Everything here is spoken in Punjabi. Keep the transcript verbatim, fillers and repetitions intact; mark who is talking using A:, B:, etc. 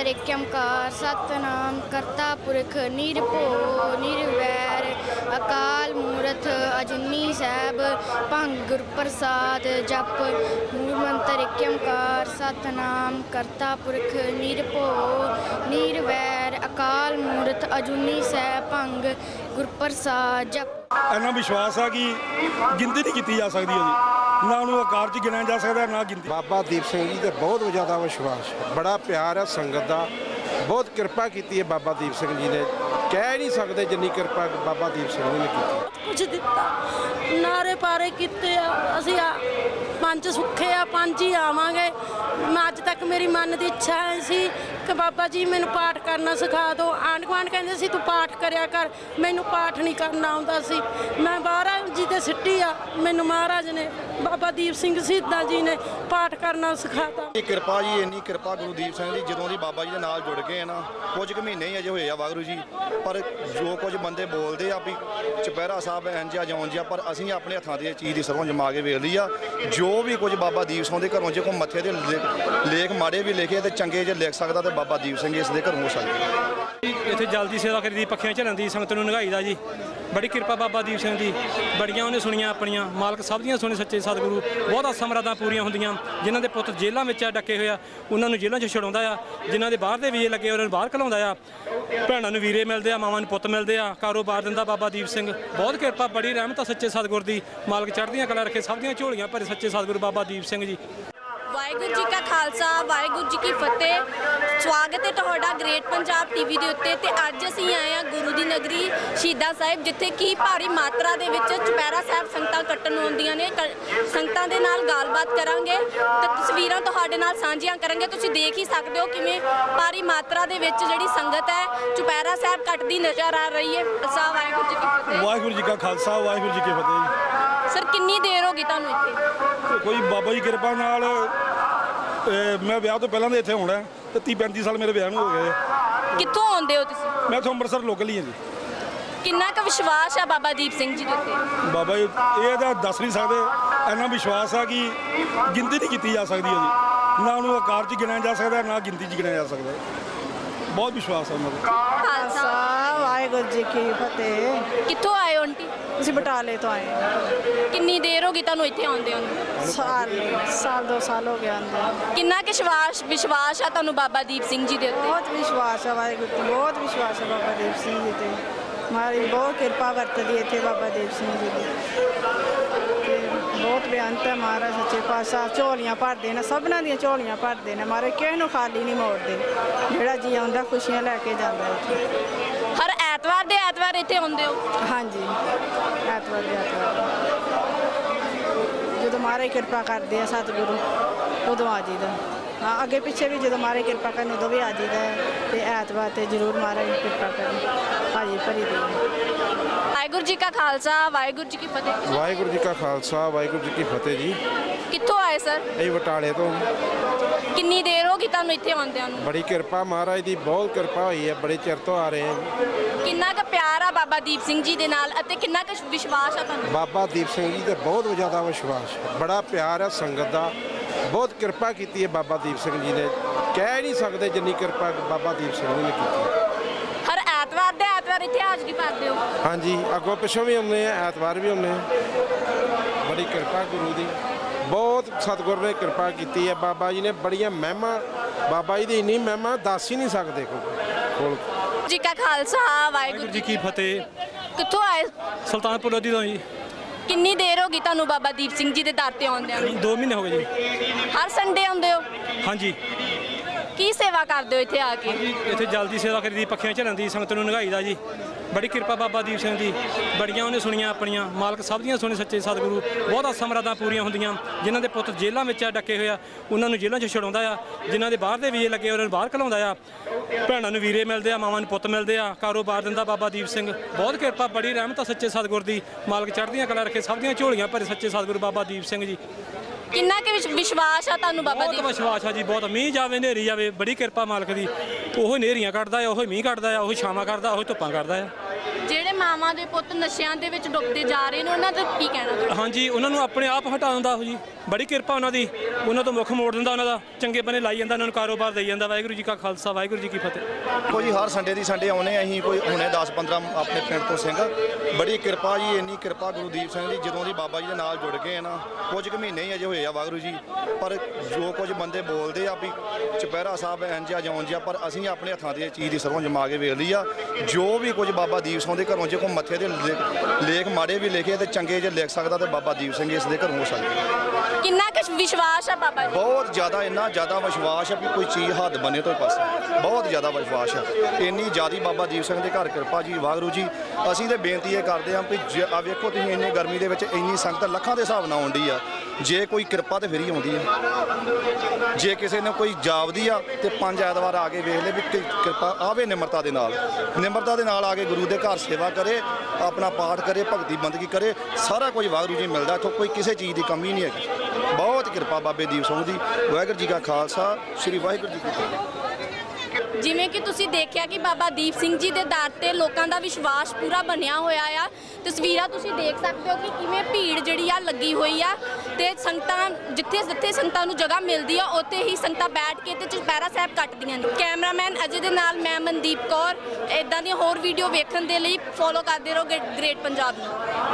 A: ਮੰਤਰ ਏਕ ਓਂਕਾਰ ਸਤਨਾਮ ਕਰਤਾ ਪੁਰਖ ਨਿਰਭਉ ਨਿਰਵੈਰ ਅਕਾਲ ਮੂਰਤ ਅਜੂਨੀ ਸਾਹਿਬ ਭੰਗ ਗੁਰ ਪ੍ਰਸਾਦ ਜਪ ਮੂਲ ਮੰਤਰ ਏਕ ਓਂਕਾਰ ਸਤਨਾਮ ਕਰਤਾ ਪੁਰਖ ਨਿਰਭਉ ਨਿਰਵੈਰ ਅਕਾਲ ਮੂਰਤ ਅਜੂਨੀ ਸਾਹਿਬ ਭੰਗ ਗੁਰ ਪ੍ਰਸਾਦ ਜਪ।
B: ਇੰਨਾ ਵਿਸ਼ਵਾਸ ਆ ਕਿ ਗਿਣਤੀ ਨਹੀਂ ਕੀਤੀ ਜਾ ਸਕਦੀ ਉਹਦੀ, ਨਾ ਉਹਨੂੰ ਆਕਾਰ 'ਚ ਗਿਣਿਆ ਜਾ ਸਕਦਾ ਨਾ ਗਿਣਤੀ।
C: ਬਾਬਾ ਦੀਪ ਸਿੰਘ ਜੀ ਤੇ ਬਹੁਤ ਜ਼ਿਆਦਾ ਵਿਸ਼ਵਾਸ, ਬੜਾ ਪਿਆਰ ਹੈ ਸੰਗਤ ਦਾ, ਬਹੁਤ ਕਿਰਪਾ ਕੀਤੀ ਹੈ ਬਾਬਾ ਦੀਪ ਸਿੰਘ ਜੀ ਨੇ, ਕਹਿ ਨਹੀਂ ਸਕਦੇ ਜਿੰਨੀ ਕਿਰਪਾ ਬਾਬਾ ਦੀਪ ਸਿੰਘ ਜੀ ਨੇ ਕੀਤੀ।
D: ਕੁਝ ਦਿੱਤਾ, ਨਾਰੇ ਪਾਰੇ ਕੀਤੇ ਆ, ਅਸੀਂ ਆ ਪੰਜ ਸੁੱਖੇ ਆ, ਪੰਜ ਹੀ ਆਵਾਂਗੇ। ਮੈਂ ਅੱਜ ਤੱਕ ਮੇਰੀ ਮਨ ਦੀ ਇੱਛਾ ਹੈ ਸੀ ਕਿ ਬਾਬਾ ਜੀ ਮੈਨੂੰ ਪਾਠ ਕਰਨਾ ਸਿਖਾ ਦਿਓ। ਆਂਢ ਗੁਆਂਢ ਕਹਿੰਦੇ ਸੀ ਤੂੰ ਪਾਠ ਕਰਿਆ ਕਰ, ਮੈਨੂੰ ਪਾਠ ਨਹੀਂ ਕਰਨਾ ਆਉਂਦਾ ਸੀ। ਮੈਂ ਮਹਾਰਾਜ ਜੀ ਦੇ ਸਿੱਟੀ ਆ, ਮੈਨੂੰ ਮਹਾਰਾਜ ਨੇ ਬਾਬਾ ਦੀਪ ਸਿੰਘ ਸ਼ਹੀਦਾਂ ਜੀ ਨੇ ਪਾਠ ਕਰਨਾ ਸਿਖਾਤਾ।
E: ਇਹ ਕਿਰਪਾ ਜੀ, ਇੰਨੀ ਕਿਰਪਾ ਗੁਰੂ ਦੀਪ ਸਿੰਘ ਦੀ, ਜਦੋਂ ਦੀ ਬਾਬਾ ਜੀ ਦੇ ਨਾਲ ਜੁੜ ਗਏ ਨਾ, ਕੁਝ ਕੁ ਮਹੀਨੇ ਹੀ ਅਜੇ ਹੋਏ ਆ ਵਾਹਿਗੁਰੂ ਜੀ, ਪਰ ਜੋ ਕੁਝ ਬੰਦੇ ਬੋਲਦੇ ਆ ਵੀ ਚੁਪਹਿਰਾ ਸਾਹਿਬ ਇੰਜਾ ਜਿਉਂ ਜਿਹਾ, ਪਰ ਅਸੀਂ ਆਪਣੇ ਹੱਥਾਂ ਦੀ ਇਹ ਚੀਜ਼ ਦੀ ਸਰੋਂ ਜਮਾ ਕੇ ਵੇਖ ਲਈ ਆ। ਜੋ ਵੀ ਕੁਝ ਬਾਬਾ ਦੀਪ ਸਿੰਘ ਦੇ ਘਰੋਂ ਜੇ ਕੋਈ ਮੱਥੇ ਦੇ ਲੇਖ ਮਾੜੇ ਵੀ ਲਿਖੇ ਤੇ ਚੰਗੇ ਜੇ ਲਿਖ ਸਕਦਾ ਤੇ ਬਾਬਾ ਦੀਪ ਸਿੰਘ ਇਸ ਦੇ ਘਰੋਂ ਹੋ ਸਕਦਾ।
F: ਇੱਥੇ ਜਲਦੀ ਸੇਵਾ ਕਰੀਦੀ, ਪੱਖੀਆਂ ਝੱਲਣ ਦੀ, ਸੰਗਤ ਨੂੰ ਨਿਗਾਈ ਦਾ ਜੀ। ਬੜੀ ਕਿਰਪਾ ਬਾਬਾ ਦੀਪ ਸਿੰਘ ਦੀ, ਬੜੀਆਂ ਉਹਨੇ ਸੁਣੀਆਂ ਆਪਣੀਆਂ, ਮਾਲਕ ਸਭ ਦੀਆਂ ਸੁਣੇ ਸੱਚੇ ਸਤਿਗੁਰੂ। ਬਹੁਤ ਆਸਾਂ ਮੁਰਾਦਾਂ ਪੂਰੀਆਂ ਹੁੰਦੀਆਂ। ਜਿਨ੍ਹਾਂ ਦੇ ਪੁੱਤ ਜੇਲ੍ਹਾਂ ਵਿੱਚ ਆ ਡੱਕੇ ਹੋਏ ਆ, ਉਹਨਾਂ ਨੂੰ ਜੇਲ੍ਹਾਂ 'ਚ ਛੁਡਾਉਂਦਾ ਆ। ਜਿਨ੍ਹਾਂ ਦੇ ਬਾਹਰ ਦੇ ਵੀਜ਼ੇ ਲੱਗੇ ਉਹਨਾਂ ਨੂੰ ਬਾਹਰ ਘਲਾਉਂਦਾ ਆ। ਭੈਣਾਂ ਨੂੰ ਵੀਰੇ ਮਿਲਦੇ ਆ, ਮਾਵਾਂ ਨੂੰ ਪੁੱਤ ਮਿਲਦੇ ਆ, ਕਾਰੋਬਾਰ ਦਿੰਦਾ ਬਾਬਾ ਦੀਪ ਸਿੰਘ। ਬਹੁਤ ਕਿਰਪਾ, ਬੜੀ ਰਹਿਮਤ ਆ ਸੱਚੇ ਸਤਿਗੁਰ ਦੀ। ਮਾਲਕ ਚੜ੍ਹਦੀਆਂ ਕਲਾ ਰੱਖੇ, ਸਭ ਦੀਆਂ ਝੋਲੀਆਂ ਭਰੇ ਸੱਚੇ ਸਤਿਗੁਰੂ ਬਾਬਾ ਦੀਪ ਸਿੰਘ ਜੀ।
G: ਵਾਹਿਗੁਰੂ ਜੀ ਕਾ ਖਾਲਸਾ, ਵਾਹਿਗੁਰੂ ਜੀ ਕੀ ਫਤਿਹ। ਸਵਾਗਤ ਹੈ ਤੁਹਾਡਾ ਗ੍ਰੇਟ ਪੰਜਾਬ ਟੀਵੀ ਦੇ ਉੱਤੇ। ਤੇ ਅੱਜ ਅਸੀਂ ਆਏ ਹਾਂ ਗੁਰੂ ਦੀ ਨਗਰੀ ਸ਼ਹੀਦਾਂ ਸਾਹਿਬ, ਜਿੱਥੇ ਕਿ ਭਾਰੀ ਮਾਤਰਾ ਦੇ ਵਿੱਚ ਚੁਪਹਿਰਾ ਸਾਹਿਬ ਸੰਗਤਾਂ ਕੱਟਣ ਨੂੰ ਆਉਂਦੀਆਂ ਨੇ। ਸੰਗਤਾਂ ਦੇ ਨਾਲ ਗੱਲਬਾਤ ਕਰਾਂਗੇ ਤੇ ਤਸਵੀਰਾਂ ਤੁਹਾਡੇ ਨਾਲ ਸਾਂਝੀਆਂ ਕਰਾਂਗੇ। ਤੁਸੀਂ ਦੇਖ ਹੀ ਸਕਦੇ ਹੋ ਕਿਵੇਂ ਭਾਰੀ ਮਾਤਰਾ ਦੇ ਵਿੱਚ ਜਿਹੜੀ ਸੰਗਤ ਹੈ ਚੁਪਹਿਰਾ ਸਾਹਿਬ ਕੱਟਦੀ ਨਜ਼ਰ ਆ ਰਹੀ ਹੈ। ਖਾਲਸਾ ਵਾਹਿਗੁਰੂ ਜੀ ਕੀ ਫਤਿਹ।
B: ਵਾਹਿਗੁਰੂ ਜੀ ਕਾ ਖਾਲਸਾ, ਵਾਹਿਗੁਰੂ ਜੀ ਕੀ ਫਤਿਹ ਜੀ।
G: ਸਰ, ਕਿੰਨੀ ਦੇਰ ਹੋ ਗਈ ਤੁਹਾਨੂੰ ਇੱਥੇ?
B: ਕੋਈ ਬਾਬਾ ਜੀ ਕਿਰਪਾ ਨਾਲ ਮੈਂ ਵਿਆਹ ਤੋਂ ਪਹਿਲਾਂ ਦੇ ਇੱਥੇ ਹੋਣਾ ਤੇ ਤੀਹ ਪੈਂਤੀ ਸਾਲ ਮੇਰੇ ਵਿਆਹ ਨੂੰ ਹੋ ਗਏ।
G: ਕਿੱਥੋਂ ਆਉਂਦੇ ਹੋ ਤੁਸੀਂ?
B: ਮੈਂ ਇੱਥੋਂ ਅੰਮ੍ਰਿਤਸਰ ਲੋਕਲ ਹੀ ਹਾਂ ਜੀ।
G: ਕਿੰਨਾ ਕੁ ਵਿਸ਼ਵਾਸ ਹੈ ਬਾਬਾ ਦੀਪ ਸਿੰਘ ਜੀ ਦੇ ਉੱਤੇ?
B: ਬਾਬਾ ਜੀ ਇਹ ਤਾਂ ਦੱਸ ਨਹੀਂ ਸਕਦੇ, ਇੰਨਾ ਵਿਸ਼ਵਾਸ ਆ ਕਿ ਗਿਣਤੀ ਨਹੀਂ ਕੀਤੀ ਜਾ ਸਕਦੀ ਉਹਦੀ, ਨਾ ਉਹਨੂੰ ਆਕਾਰ 'ਚ ਗਿਣਿਆ ਜਾ ਸਕਦਾ ਨਾ ਗਿਣਤੀ 'ਚ ਗਿਣਿਆ ਜਾ ਸਕਦਾ। ਬਹੁਤ ਵਿਸ਼ਵਾਸ ਆ ਉਹਨਾਂ ਦਾ।
G: ਖਾਲਸਾ
D: ਵਾਹਿਗੁਰੂ ਜੀ ਕੀ ਫਤਿਹ।
G: ਕਿੱਥੋਂ ਆਏ ਹੋ ਆਂਟੀ?
D: ਅਸੀਂ ਬਟਾਲੇ ਤੋਂ ਆਏ ਹਾਂ।
G: ਕਿੰਨੀ ਦੇਰ ਹੋ ਗਈ ਤੁਹਾਨੂੰ ਇੱਥੇ ਆਉਂਦੇ ਹੋ?
D: ਸਾਲ ਸਾਲ ਦੋ ਸਾਲ ਹੋ ਗਏ ਆਉਂਦੇ।
G: ਕਿੰਨਾ ਕੁ ਵਿਸ਼ਵਾਸ ਵਿਸ਼ਵਾਸ ਆ ਤੁਹਾਨੂੰ ਬਾਬਾ ਦੀਪ ਸਿੰਘ ਜੀ ਦੇ ਉੱਤੇ?
D: ਬਹੁਤ ਵਿਸ਼ਵਾਸ ਹੈ ਵਾਹਿਗੁਰੂ ਤੇ, ਬਹੁਤ ਵਿਸ਼ਵਾਸ ਹੈ ਬਾਬਾ ਦੀਪ ਸਿੰਘ ਜੀ ਤੇ। ਮਾਰੀ ਬਹੁਤ ਕਿਰਪਾ ਵਰਤਦੀ ਇੱਥੇ ਬਾਬਾ ਦੀਪ ਸਿੰਘ ਜੀ ਦੀ ਤੇ ਬਹੁਤ ਬੇਅੰਤ ਹੈ ਮਹਾਰਾਜ ਸੱਚੇ ਪਾਤਸ਼ਾਹ। ਝੋਲੀਆਂ ਭਰਦੇ ਨੇ, ਸਭਨਾਂ ਦੀਆਂ ਝੋਲੀਆਂ ਭਰਦੇ ਨੇ ਮਹਾਰਾਜ, ਕਿਸੇ ਨੂੰ ਖਾਲੀ ਨਹੀਂ ਮੋੜਦੇ। ਜਿਹੜਾ ਜੀ ਆਉਂਦਾ ਖੁਸ਼ੀਆਂ ਲੈ ਕੇ ਜਾਂਦਾ ਇੱਥੇ।
G: ਹਰ ਐਤਵਾਰ ਦੇ ਐਤਵਾਰ ਇੱਥੇ ਆਉਂਦੇ ਹੋ?
D: ਹਾਂਜੀ, ਐਤਵਾਰ ਦੇ ਐਤਵਾਰ ਜਦੋਂ ਮਹਾਰਾਜ ਕਿਰਪਾ ਕਰਦੇ ਆ ਸਤਿਗੁਰੂ ਉਦੋਂ ਆ ਜੀਦਾ। ਹਾਂ, ਅੱਗੇ ਪਿੱਛੇ ਵੀ ਜਦੋਂ ਮਹਾਰਾਜ ਕਿਰਪਾ ਕਰਨ ਉਦੋਂ ਵੀ ਆ ਜੀਦਾ ਤੇ ਐਤਵਾਰ ਤੇ ਜ਼ਰੂਰ ਮਹਾਰਾਜ ਕਿਰਪਾ ਕਰੇ ਭਾਜੀ ਭਰੀ ਦੇ।
G: ਵਾਹਿਗੁਰੂ ਜੀ ਕਾ ਖਾਲਸਾ, ਵਾਹਿਗੁਰੂ ਜੀ ਕੀ ਫਤਿਹ।
C: ਵਾਹਿਗੁਰੂ ਜੀ ਕਾ ਖਾਲਸਾ, ਵਾਹਿਗੁਰੂ ਜੀ ਕੀ ਫਤਿਹ ਜੀ।
G: ਕਿੱਥੋਂ ਆਏ ਸਰ?
C: ਇਹ ਬਟਾਲੇ ਤੋਂ।
G: ਕਿੰਨੀ ਦੇਰ ਹੋ ਗਈ ਤੁਹਾਨੂੰ ਇੱਥੇ ਆਉਂਦਿਆਂ ਨੂੰ?
C: ਬੜੀ ਕਿਰਪਾ ਮਹਾਰਾਜ ਦੀ, ਬਹੁਤ ਕਿਰਪਾ ਹੋਈ ਹੈ, ਬੜੇ ਚਿਰ ਤੋਂ ਆ ਰਹੇ ਹਾਂ।
G: ਕਿੰਨਾ ਕੁ ਪਿਆਰ ਆ ਬਾਬਾ ਦੀਪ ਸਿੰਘ ਜੀ ਦੇ ਨਾਲ ਅਤੇ ਕਿੰਨਾ ਕੁ ਵਿਸ਼ਵਾਸ ਆ ਤੁਹਾਨੂੰ?
C: ਬਾਬਾ ਦੀਪ ਸਿੰਘ ਜੀ ਤੇ ਬਹੁਤ ਜ਼ਿਆਦਾ ਵਿਸ਼ਵਾਸ, ਬੜਾ ਪਿਆਰ ਹੈ ਸੰਗਤ ਦਾ, ਬਹੁਤ ਕਿਰਪਾ ਕੀਤੀ ਹੈ ਬਾਬਾ ਦੀਪ ਸਿੰਘ ਜੀ ਨੇ, ਕਹਿ ਨਹੀਂ ਸਕਦੇ ਜਿੰਨੀ ਕਿਰਪਾ ਬਾਬਾ ਦੀਪ ਸਿੰਘ ਜੀ ਨੇ ਕੀਤੀ।
G: ਹਰ ਐਤਵਾਰ ਦੇ ਐਤਵਾਰ ਇੱਥੇ ਹਾਜ਼ਰੀ ਭਰਦੇ ਹੋ?
C: ਹਾਂਜੀ, ਅੱਗੋਂ ਪਿੱਛੋਂ ਵੀ ਆਉਂਦੇ ਆ, ਐਤਵਾਰ ਵੀ ਆਉਂਦੇ ਆ। ਬੜੀ ਕਿਰਪਾ ਗੁਰੂ ਦੀ, ਬਹੁਤ ਸਤਿਗੁਰ ਨੇ ਕਿਰਪਾ ਕੀਤੀ ਹੈ। ਬਾਬਾ ਜੀ ਨੇ ਬੜੀਆਂ ਮਹਿਮਾ, ਬਾਬਾ ਜੀ ਦੀ ਇੰਨੀ ਮਹਿਮਾ ਦੱਸ ਹੀ ਨਹੀਂ ਸਕਦੇ ਕੋਲ।
G: ਜੀ ਕਾ ਖਾਲਸਾ, ਵਾਹਿਗੁਰੂ
F: ਜੀ ਕੀ ਫਤਿਹ।
G: ਕਿੱਥੋਂ ਆਏ?
F: ਸੁਲਤਾਨਪੁਰ ਲੋਧੀ ਤੋਂ ਜੀ।
G: ਕਿੰਨੀ ਦੇਰ ਹੋ ਗਈ ਤੁਹਾਨੂੰ ਬਾਬਾ ਦੀਪ ਸਿੰਘ ਜੀ ਦੇ ਦਰ ਤੇ ਆਉਂਦਿਆਂ ਨੂੰ?
F: ਦੋ ਮਹੀਨੇ ਹੋ ਗਏ ਜੀ।
G: ਹਰ ਸੰਡੇ ਆਉਂਦੇ ਹੋ?
F: ਹਾਂਜੀ।
G: ਕੀ ਸੇਵਾ ਕਰਦੇ ਹੋ ਇੱਥੇ ਆ ਕੇ?
F: ਇੱਥੇ ਜਲਦੀ ਸੇਵਾ ਕਰੀਦੀ, ਪੱਖੀਆਂ ਝੱਲਣ ਦੀ, ਸੰਗਤ ਨੂੰ ਨਿਗਾਈ ਦਾ ਜੀ। ਬੜੀ ਕਿਰਪਾ ਬਾਬਾ ਦੀਪ ਸਿੰਘ ਦੀ, ਬੜੀਆਂ ਉਹਨੇ ਸੁਣੀਆਂ ਆਪਣੀਆਂ, ਮਾਲਕ ਸਭ ਦੀਆਂ ਸੁਣੇ ਸੱਚੇ ਸਤਿਗੁਰੂ। ਬਹੁਤ ਆਸਾਂ ਮੁਰਾਦਾਂ ਪੂਰੀਆਂ ਹੁੰਦੀਆਂ। ਜਿਨ੍ਹਾਂ ਦੇ ਪੁੱਤ ਜੇਲ੍ਹਾਂ ਵਿੱਚ ਆ ਡੱਕੇ ਹੋਏ ਆ, ਉਹਨਾਂ ਨੂੰ ਜੇਲ੍ਹਾਂ 'ਚ ਛੁਡਾਉਂਦਾ ਆ। ਜਿਨ੍ਹਾਂ ਦੇ ਬਾਹਰ ਦੇ ਵੀਜ਼ੇ ਲੱਗੇ ਉਹਨਾਂ ਨੂੰ ਬਾਹਰ ਘਲਾਉਂਦਾ ਆ। ਭੈਣਾਂ ਨੂੰ ਵੀਰੇ ਮਿਲਦੇ ਆ, ਮਾਵਾਂ ਨੂੰ ਪੁੱਤ ਮਿਲਦੇ ਆ, ਕਾਰੋਬਾਰ ਦਿੰਦਾ ਬਾਬਾ ਦੀਪ ਸਿੰਘ। ਬਹੁਤ ਕਿਰਪਾ, ਬੜੀ ਰਹਿਮਤ ਆ ਸੱਚੇ ਸਤਿਗੁਰ ਦੀ। ਮਾਲਕ ਚੜ੍ਹਦੀਆਂ ਕਲਾ ਰੱਖੇ, ਸਭ ਦੀਆਂ ਝੋਲੀਆਂ ਭਰੇ ਸੱਚੇ ਸਤਿਗੁਰੂ ਬਾਬਾ ਦੀਪ ਸਿੰਘ ਜੀ।
G: ਕਿੰਨਾ ਕੁ ਵਿਸ਼ਵਾਸ ਆ ਤੁਹਾਨੂੰ ਬਾਬਾ
F: ਬਹੁਤ
G: ਦੀਪ?
F: ਵਿਸ਼ਵਾਸ ਆ ਜੀ, ਬਹੁਤ। ਮੀਂਹ ਜਾਵੇ ਹਨੇਰੀ ਜਾਵੇ, ਬੜੀ ਕਿਰਪਾ ਮਾਲਕ ਦੀ। ਉਹ ਹਨੇਰੀਆਂ ਕੱਢਦਾ ਆ, ਉਹ ਮੀਂਹ ਕੱਢਦਾ ਆ, ਉਹ ਛਾਵਾਂ ਕਰਦਾ, ਉਹ ਧੁੱਪਾਂ ਕਰਦਾ ਆ।
G: ਜਿਹੜੇ ਮਾਵਾਂ ਦੇ ਪੁੱਤ ਨਸ਼ਿਆਂ ਦੇ ਵਿੱਚ ਡੁੱਬਦੇ ਜਾ ਰਹੇ ਨੇ ਉਹਨਾਂ ਦਾ ਕੀ ਕਹਿਣਾ ਤੁਹਾਡਾ?
F: ਹਾਂਜੀ ਉਹਨਾਂ ਨੂੰ ਆਪਣੇ ਆਪ ਹਟਾ ਦਿੰਦਾ ਉਹ ਜੀ, ਬੜੀ ਕਿਰਪਾ ਉਹਨਾਂ ਦੀ, ਉਹਨਾਂ ਤੋਂ ਮੁੱਖ ਮੋੜ ਦਿੰਦਾ, ਉਹਨਾਂ ਦਾ ਚੰਗੇ ਬੰਨੇ ਲਾਈ ਜਾਂਦਾ, ਉਹਨਾਂ ਨੂੰ ਕਾਰੋਬਾਰ ਦੇਈ ਜਾਂਦਾ। ਵਾਹਿਗੁਰੂ ਜੀ ਕਾ ਖਾਲਸਾ, ਵਾਹਿਗੁਰੂ ਜੀ ਕੀ ਫਤਿਹ।
E: ਕੋਈ ਹਰ ਸੰਡੇ ਦੀ ਸੰਡੇ ਆਉਨੇ ਅਸੀਂ ਕੋਈ ਹੁਣੇ ਦਸ ਪੰਦਰਾਂ ਆਪਣੇ ਪਿੰਡ ਤੋਂ ਸਿੰਘ, ਬੜੀ ਕਿਰਪਾ ਜੀ, ਇੰਨੀ ਕਿਰਪਾ ਗੁਰਦੀਪ ਸਿੰਘ ਦੀ ਜਦੋਂ ਦੀ ਬਾਬਾ ਜੀ ਦੇ ਨਾਲ ਜੁੜ ਗਏ ਆ ਨਾ, ਕੁਝ ਕੁ ਮਹੀਨੇ ਹੀ ਅਜੇ ਹੋਏ ਆ ਵਾਹਿਗੁਰੂ ਜੀ, ਪਰ ਜੋ ਕੁਝ ਬੰਦੇ ਬੋਲਦੇ ਆ ਵੀ ਚੁਪਹਿਰਾ ਸਾਹਿਬ ਇੰਝ ਆ ਜਾਂ ਉਂਝ ਆ, ਪਰ ਅਸੀਂ ਆਪਣੇ ਹੱਥਾਂ ਦੀ ਇਹ ਚੀਜ਼ ਦੀ ਸਰੋਂ ਜਮਾ ਕੇ ਵੇਖ ਲਈ ਆ। ਜੋ ਵੀ ਕੁਝ ਬਾਬਾ ਦੀਪ ਸਿੰਘ ਦੇ ਘਰੋਂ ਜੇ ਕੋਈ ਮੱਥੇ ਦੇ ਲੇ- ਲੇਖ ਮਾੜੇ ਵੀ ਲਿਖੇ ਤੇ ਚੰਗੇ ਜੇ ਲਿਖ ਸਕਦਾ ਤੇ ਬਾਬਾ ਦੀਪ ਸਿੰਘ ਇਸ ਦੇ ਘਰੋਂ ਹੋ ਸਕਦਾ।
G: ਕਿੰਨਾ ਕੁ ਵਿਸ਼ਵਾਸ ਆ ਬਾਬਾ ਜੀ?
E: ਬਹੁਤ ਜ਼ਿਆਦਾ, ਇੰਨਾ ਜ਼ਿਆਦਾ ਵਿਸ਼ਵਾਸ ਹੈ ਵੀ ਕੋਈ ਚੀਜ਼ ਹੱਦ ਬਣੇ ਤੋਂ ਪਾਸੇ, ਬਹੁਤ ਜ਼ਿਆਦਾ ਵਿਸ਼ਵਾਸ ਹੈ। ਇੰਨੀ ਜ਼ਿਆਦੀ ਬਾਬਾ ਦੀਪ ਸਿੰਘ ਦੇ ਘਰ ਕਿਰਪਾ ਜੀ ਵਾਹਿਗੁਰੂ ਜੀ। ਅਸੀਂ ਤੇ ਬੇਨਤੀ ਇਹ ਕਰਦੇ ਹਾਂ ਵੀ ਜ- ਆ ਵੇਖੋ ਤੁਸੀਂ ਇੰਨੀ ਗਰਮੀ ਦੇ ਵਿੱਚ ਇੰਨੀ ਸੰਗਤ ਲੱਖਾਂ ਦੇ ਹਿਸਾਬ ਨਾਲ ਆਉਂਦੀ ਆ, ਜੇ ਕੋਈ ਕਿਰਪਾ ਤੇ ਫਿਰ ਹੀ ਆਉਂਦੀ ਹੈ। ਜੇ ਕਿਸੇ ਨੇ ਕੋਈ ਜਾਪਦੀ ਆ ਤੇ ਪੰਜ ਐਤਵਾਰ ਆ ਕੇ ਵੇਖ ਲੈ ਵੀ ਕਿ ਕਿਰਪਾ ਆਵੇ, ਨਿਮਰਤਾ ਦੇ ਨਾਲ, ਨਿਮਰਤਾ ਦੇ ਨਾਲ ਆ ਕੇ ਗੁਰੂ ਦੇ ਘਰ ਸੇਵਾ ਕਰੇ, ਆਪਣਾ ਪਾਠ ਕਰੇ, ਭਗਤੀ ਬੰਦਗੀ ਕਰੇ, ਸਾਰਾ ਕੁਝ ਵਾਹਿਗੁਰੂ ਜੀ ਮਿਲਦਾ ਇੱਥੋਂ, ਕੋਈ ਕਿਸੇ ਚੀਜ਼ ਦੀ ਕਮੀ ਨਹੀਂ ਹੈਗੀ। ਬਹੁਤ ਕਿਰਪਾ ਬਾਬੇ ਦੀਪ ਸਿੰਘ ਦੀ। ਵਾਹਿਗੁਰੂ ਜੀ ਕਾ ਖਾਲਸਾ, ਸ੍ਰੀ ਵਾਹਿਗੁਰੂ ਜੀ ਕੀ ਫਤਿਹ।
G: ਜਿਵੇਂ ਕਿ ਤੁਸੀਂ ਦੇਖਿਆ ਕਿ ਬਾਬਾ ਦੀਪ ਸਿੰਘ ਜੀ ਦੇ ਦਰ ਤੇ ਲੋਕਾਂ ਦਾ ਵਿਸ਼ਵਾਸ ਪੂਰਾ ਬਣਿਆ ਹੋਇਆ ਆ। ਤਸਵੀਰਾਂ ਤੁਸੀਂ ਦੇਖ ਸਕਦੇ ਹੋ ਕਿ ਕਿਵੇਂ ਭੀੜ ਜਿਹੜੀ ਆ ਲੱਗੀ ਹੋਈ ਆ ਤੇ ਸੰਗਤਾਂ ਜਿੱਥੇ ਜਿੱਥੇ ਸੰਗਤਾਂ ਨੂੰ ਜਗ੍ਹਾ ਮਿਲਦੀ ਆ ਉੱਥੇ ਹੀ ਸੰਗਤਾਂ ਬੈਠ ਕੇ ਤੇ ਚੁਪਹਿਰਾ ਸਾਹਿਬ ਕੱਟਦੀਆਂ ਨੇ। ਕੈਮਰਾਮੈਨ ਅਜੇ ਦੇ ਨਾਲ ਮੈਂ ਮਨਦੀਪ ਕੌਰ। ਇਦਾਂ ਦੀਆਂ ਹੋਰ ਵੀਡੀਓ ਵੇਖਣ ਦੇ ਲਈ ਫੋਲੋ ਕਰਦੇ ਰਹੋ ਗ੍ਰੇਟ ਪੰਜਾਬ ਨੂੰ।